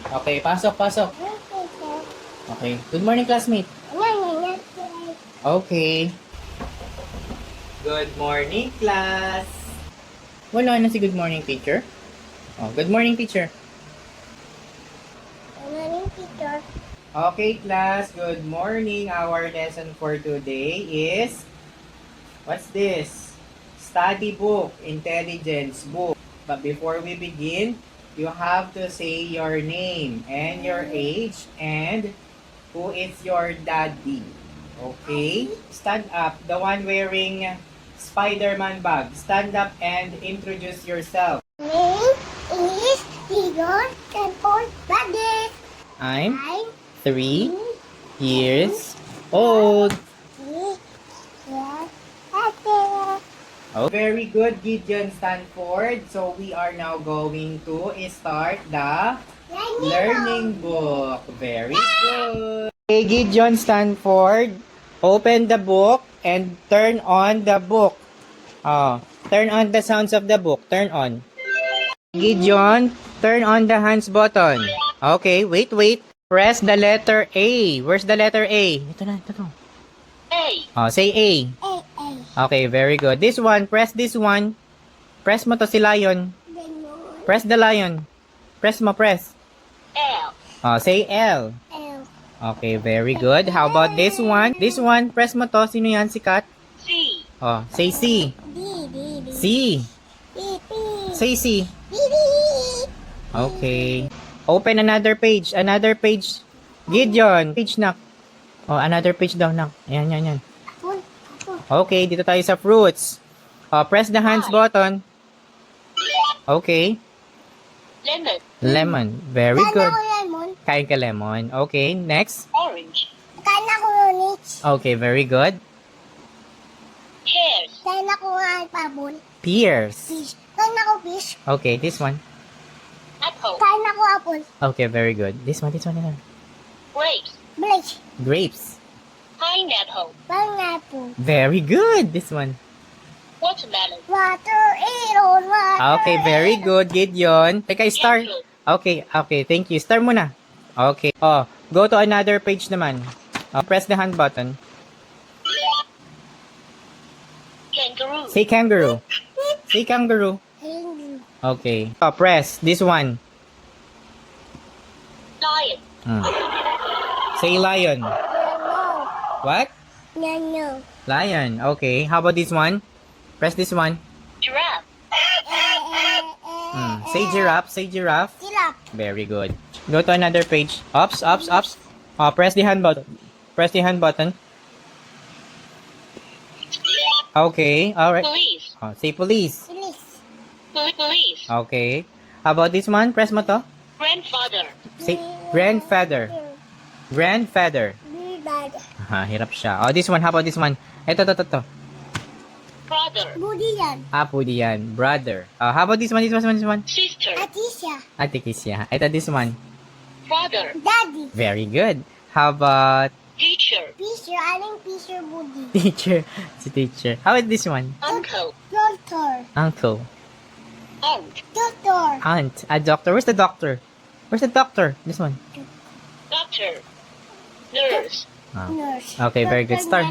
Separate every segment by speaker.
Speaker 1: Okay, pasok, pasok. Okay. Good morning, classmate. Okay. Good morning, class. Wala na si good morning, teacher. Oh, good morning, teacher. Okay, class. Good morning. Our lesson for today is, what's this? Study book, intelligence book. But before we begin, you have to say your name and your age and who is your daddy. Okay? Stand up. The one wearing Spider-Man bag. Stand up and introduce yourself.
Speaker 2: Name is Igor Temple Baggett.
Speaker 1: I'm
Speaker 2: I'm
Speaker 1: 3 years old. Oh, very good, Gideon Stanford. So we are now going to start the learning book. Very good. Okay, Gideon Stanford, open the book and turn on the book. Turn on the sounds of the book. Turn on. Gideon, turn on the hands button. Okay, wait. Press the letter A. Where's the letter A? Ito na.
Speaker 2: A.
Speaker 1: Say A. Okay, very good. This one, press this one. Press mo to si lion. Press the lion. Press mo, press.
Speaker 2: L.
Speaker 1: Say L.
Speaker 2: L.
Speaker 1: Okay, very good. How about this one? This one, press mo to. Sino yan? Si Kat?
Speaker 2: C.
Speaker 1: Say C.
Speaker 2: D.
Speaker 1: C.
Speaker 2: D.
Speaker 1: Say C.
Speaker 2: D.
Speaker 1: Okay. Open another page. Another page. Gideon. Page, nak. Another page daw, nak. Yan. Okay, dito tayo sa fruits. Press the hands button. Okay.
Speaker 2: Lemon.
Speaker 1: Lemon. Very good.
Speaker 2: Lemon.
Speaker 1: Kain ka lemon. Okay, next.
Speaker 2: Orange. Kain ako orange.
Speaker 1: Okay, very good.
Speaker 2: Pears. Kain ako apple.
Speaker 1: Pears.
Speaker 2: Fish. Kain ako fish.
Speaker 1: Okay, this one.
Speaker 2: Apple. Kain ako apple.
Speaker 1: Okay, very good. This one.
Speaker 2: Grapes. Grapes.
Speaker 1: Grapes.
Speaker 2: Pineapple. Pineapple.
Speaker 1: Very good. This one.
Speaker 2: Watermelon. Watermelon.
Speaker 1: Okay, very good, Gideon. Teka, star. Okay, thank you. Star muna. Okay. Go to another page naman. Press the hand button.
Speaker 2: Kangaroo.
Speaker 1: Say kangaroo. Say kangaroo. Okay. Press this one.
Speaker 2: Lion.
Speaker 1: Say lion. What?
Speaker 2: No.
Speaker 1: Lion. Okay. How about this one? Press this one.
Speaker 2: Giraffe.
Speaker 1: Say giraffe. Say giraffe.
Speaker 2: Giraffe.
Speaker 1: Very good. Go to another page. Ups. Press the hand button. Press the hand button. Okay. Alright.
Speaker 2: Police.
Speaker 1: Say police.
Speaker 2: Police.
Speaker 1: Okay. How about this one? Press mo to.
Speaker 2: Grandfather.
Speaker 1: Say grandfather. Grandfather. Hirap siya. This one. How about this one? Ito.
Speaker 2: Brother. Budian.
Speaker 1: Pudi yan. Brother. How about this one? This one.
Speaker 2: Sister. Atisha.
Speaker 1: Ate Kisya. Ito, this one.
Speaker 2: Father. Daddy.
Speaker 1: Very good. How about
Speaker 2: Teacher. Teacher. Aling teacher Budi.
Speaker 1: teacher? Si teacher. How about this one?
Speaker 2: Uncle. Doctor.
Speaker 1: Uncle.
Speaker 2: Aunt. Doctor.
Speaker 1: Aunt. A doctor. Where's the doctor? This one.
Speaker 2: Doctor. Nurse. Nurse.
Speaker 1: Okay, very good. Start.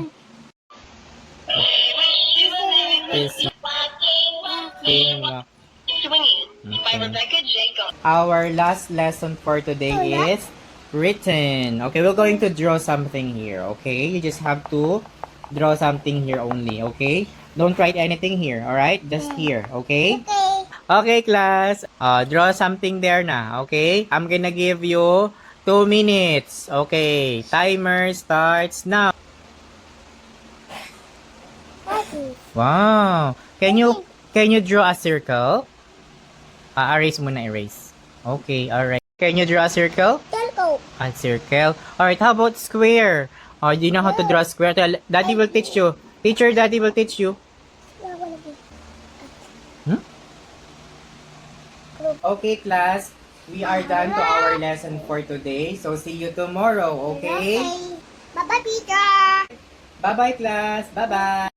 Speaker 1: Our last lesson for today is written. Okay, we're going to draw something here. Okay, you just have to draw something here only. Okay, don't write anything here. All right, just here. Okay. Okay, class. Draw something there na. Okay, I'm gonna give you 2 minutes. Okay, timer starts now. Wow. Can you draw a circle? Erase muna, erase. Okay, alright. Can you draw a circle?
Speaker 2: Circle.
Speaker 1: A circle. Alright, how about square? Do you know how to draw a square? Daddy will teach you. Teacher, Daddy will teach you. Okay, class. We are done to our lesson for today. So, see you tomorrow, okay?
Speaker 2: Bye-bye, Peter.
Speaker 1: Bye-bye, class. Bye-bye.